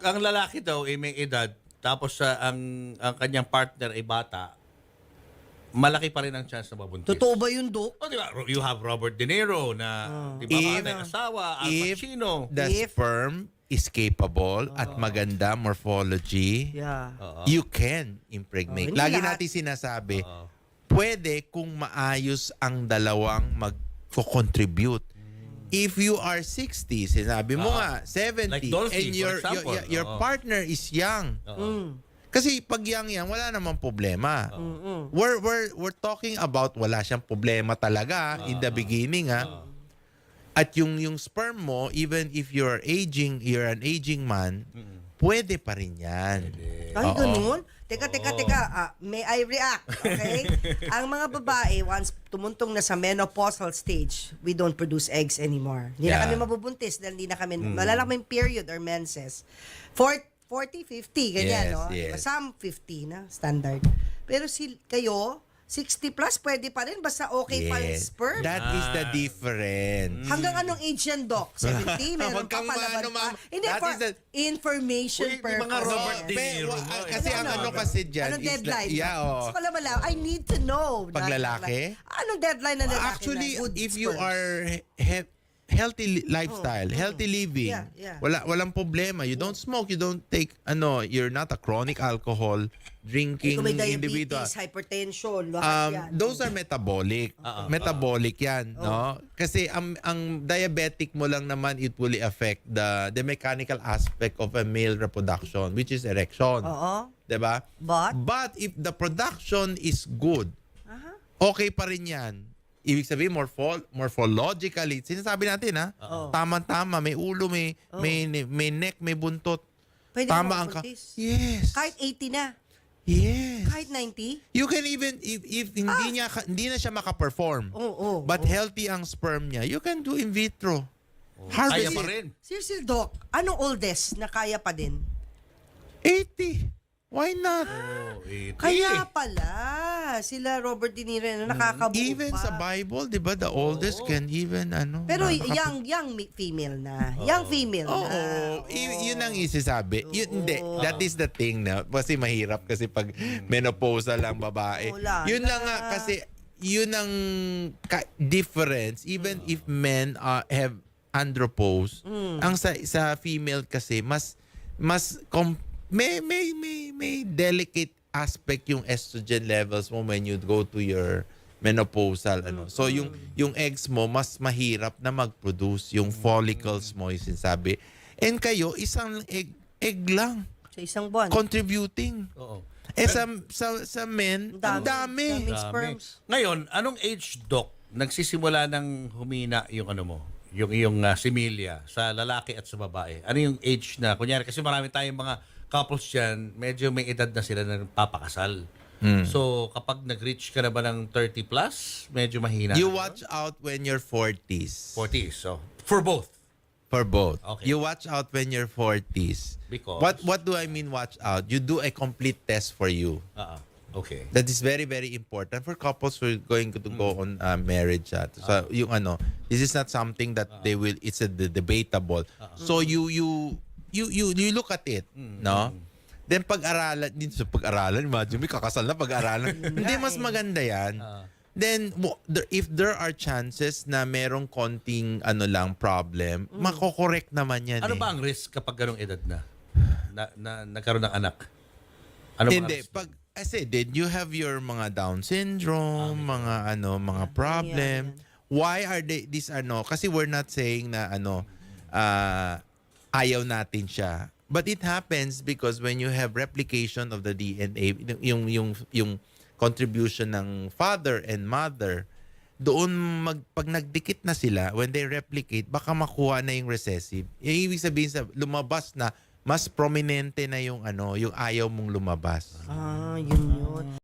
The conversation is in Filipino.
pag ang lalaki daw ay may edad, tapos ang kanyang partner ay bata, malaki pa rin ang chance na mabuntis. Totoo ba yun, Dok? Oh, di ba? You have Robert De Niro na, di ba, If- may asawa, Al if Pacino. the If- sperm is capable at maganda morphology, Yeah. you can impregnate. Hindi Lagi lahat. natin sinasabi, pwede kung maayos ang dalawang mag-contribute. If you are 60, sinabi mo nga, 70, Like Dolphy, and for example. your partner is young. Kasi pag young yan, wala namang problema. We're talking about wala siyang problema talaga in the beginning, ha? At yung sperm mo, even if you're an aging man, pwede pa rin yan. Ay, ganun? Teka. May I react, okay? Ang mga babae, once tumuntong na sa menopausal stage, we don't produce eggs anymore. Hindi na Yeah. kami mabubuntis dahil hindi na kami, wala lang kaming period or menses. 40, 50, ganyan, Yes, no? yes. Some 50 na, standard. Pero kayo, 60 plus, pwede pa rin, basta okay pa yung Yes. sperm. That is the difference. Hanggang anong age yan, Doc? 70? Meron Huwag pa kang palaban maano, pa? ma'am. Hindi, That for is the- information Uy, yung purpose. mga Robert De Pe- Niro wa- mo, eh. kasi ang ano kasi dyan Anong is deadline? yeah, oh. Gusto ko lang malaman. I need to know. Pag lalaki? Anong deadline na lalaki Actually, na good if you sperm? are healthy lifestyle, healthy living, Yeah. walang problema. You don't smoke, you don't take you're not a chronic alcohol drinking Kung may individual. diabetes, hypertension, lahat yan. Those are metabolic. Metabolic 'yan, no? Kasi ang diabetic mo lang naman, it will affect the mechanical aspect of a male reproduction, which is erection. Oo. 'Di ba? But? If the production is good, okay pa rin 'yan. Ibig sabihin morphologically, sinasabi natin tama-tama, may ulo, may neck, may buntot. Pwede Tama ka ang mabuntis. Yes. Kahit 80 na. Yes. Kahit 90. You can even if hindi na siya maka-perform. Oo. But healthy ang sperm niya, you can do in vitro. Kaya Harvest pa it. rin. Seriously, Doc, anong oldest na kaya pa din? 80. Why not? Oh, 80. Kaya pala, sila Robert De Niro na nakakabuo Even pa. sa Bible, 'di ba, the oldest can even Pero young female na. Young female Oo, na. yun ang isisabi. Hindi, that is the thing na kasi mahirap kasi pag menopausal ang babae. Wala Yun na. lang nga kasi yun ang difference even if men have andropause. Ang sa female kasi may delicate aspect yung estrogen levels mo when you go to your menopausal So yung eggs mo mas mahirap na mag-produce yung follicles mo yung sinasabi. And kayo isang egg lang Sa isang buwan. contributing. Oo. Sa men, ang dami. Daming sperms. Ngayon, anong age, Doc, nagsisimula ng humina yung ano mo? Yung iyong similya sa lalaki at sa babae. Ano yung age na? Kunyari, kasi marami tayong mga couples dyan, medyo may edad na sila na papakasal. So, kapag nag-reach ka na ba ng 30 plus, medyo mahina. You watch out when you're 40s. 40s. So, for both. For both. Okay. You watch out when you're 40s. Because? What do I mean watch out? You do a complete test for you. Okay. That is very, very important for couples who are going to go on marriage. So, yung this is not something that it's a debatable. So, you look at it, no? Then pag-aralan, imagine may kakasal na pag-aralan. Hindi, mas maganda yan. Then, if there are chances na merong konting problem, makokorek naman yan. Ano ba ang risk kapag ganong edad na nagkaroon ng anak? Ano ba ang Hindi, risk? kasi then you have your mga Down syndrome, mga problem. Why are these kasi we're not saying na ayaw natin siya. But it happens because when you have replication of the DNA, yung contribution ng father and mother, doon pag nagdikit na sila, when they replicate, baka makuha na yung recessive. Ibig sabihin lumabas na mas prominente na yung ayaw mong lumabas. Yun.